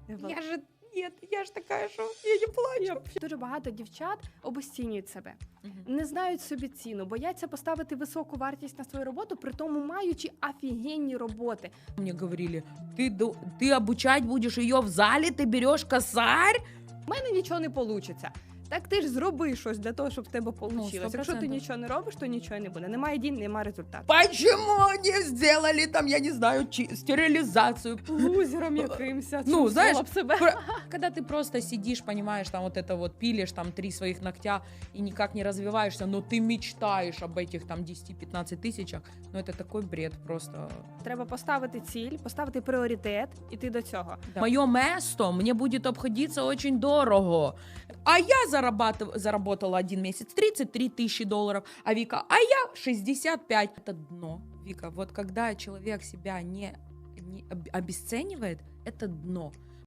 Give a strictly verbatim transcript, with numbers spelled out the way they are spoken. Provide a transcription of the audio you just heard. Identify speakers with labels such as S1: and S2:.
S1: Я же ні, я ж така, що я не плачу. Дуже багато дівчат обесцінюють себе,
S2: Мгм.
S1: не знають собі ціну, бояться поставити високу вартість на свою роботу, при тому маючи офігенні роботи.
S2: Мне говорили, ты, ду- ты обучать будешь ее в зале, ты берешь косарь?
S1: У мене нічого не вийде. Так ти ж зроби щось для того, щоб в тебе вийшло.
S2: Ну, сто
S1: Якщо ти
S2: процентів.
S1: нічого не робиш, то нічого не буде. Немає дій, немає результату.
S2: Почему не сделали там, я не знаю, чи- стерилизацию?
S1: Лузером якимсь.
S2: Ну, знаєш,
S1: б себе.
S2: Про- Когда ты просто сидишь, понимаешь, там вот это вот пилишь, там три своих ногтя и никак не развиваешься, но ты мечтаешь об этих там десять-пятнадцать тысячах, ну это такой бред просто.
S1: Треба поставити ціль, поставити пріоритет, іти до цього.
S2: Мое место мне будет обходиться очень дорого. А я зарабатыв- заработала один месяц тридцать три тысячи долларов, а Вика, а я шестьдесят пять. Это дно, Вика. Вот когда человек себя не, не об- обесценивает, это дно.